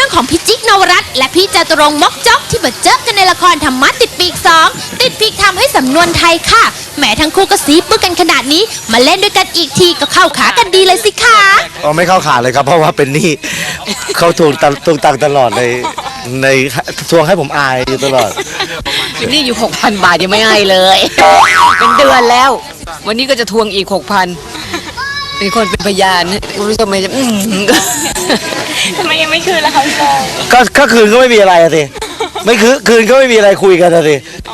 รื่องของพี่จิ๊กนวรัตน์และพี่จตุรงค์มกจกที่มาเจอกันในละครธรรมะติดปีก2ติดปีกทำให้สำนวนไทยค่ะแหมทั้งคู่ก็ซีปึกกันขนาดนี้มาเล่นด้วยกันอีกทีก็เข้าขากันดีเลยสิคะอ๋อไม่เข้าขาเลยครับเพราะว่าเป็นหนี้เขาทวงตังค์ตลอดในทวงให้ผมอายอยู่ตลอดนี่อยู่ 6,000 บาทยังไม่ให้เลย เป็นเดือนแล้ว วันนี้ก็จะทวงอีก 6,000เป็นคนเป็นพยานคุณผู้ชมจะทำไมยังไม่คืนล่ะคะพี่โจก็คืนก็ไม่มีอะไรอะสิไม่คืนก็ไม่มีอะไรคุยกันอะสิ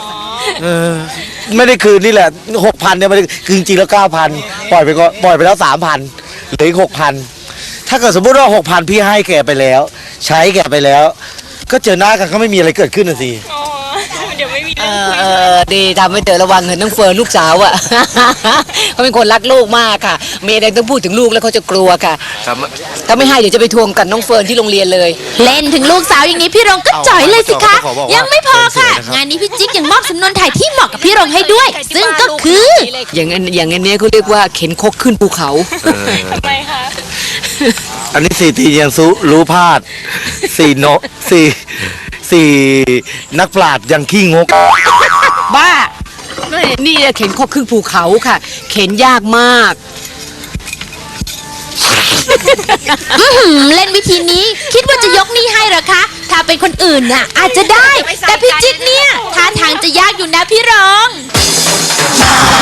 ไม่ได้คืนนี่แหละ 6,000 เนี่ยไม่ได้คือจริงๆแล้ว 9,000 ปล่อยไปแล้ว 3,000 เหลืออีก 6,000 ถ้าเกิดสมมติว่า 6,000 พี่ให้แกไปแล้ว ใช้แกไปแล้ว ก็เจอหน้ากันก็ไม่มีอะไรเกิดขึ้นน่ะสิอ๋อเดี๋ยวไม่มีเรื่องคุยดีทำให้เธอระวังเห็นน้องเฟิร์นลูกสาวอ่ะ เขาเป็นคนรักลูกมากค่ะเมย์แดงต้องพูดถึงลูกแล้วเขาจะกลัวค่ะถ้าไม่ให้เดี๋ยวจะไปทวงกันน้องเฟิร์นที่โรงเรียนเลยเล่นถึงลูกสาวอย่างนี้พี่รงก็จ่อยเลยสิคะยังไม่พอค่ะงานนี้พี่จิ๊กยังมอบสำนวนไทยที่เหมาะกับพี่รงให้ด้วย ซึ่งก็คืออย่างอันเนี้ยเขาเรียกว่าเข็นคกขึ้นภูเขาทำไมคะอันนี้4 ตียังรู้พลาด4 นักปราชญ์ยังขี้งกบ้านี่เข็นคกขึ้นภูเขาค่ะ เข็นยากมากเล่นวิธีนี้คิดว่าจะยกหนี้ให้เหรอคะถ้าเป็นคนอื่นน่ะอาจจะได้แต่พี่จิ๊กเนี่ยท่าทางจะยากอยู่นะพี่รอง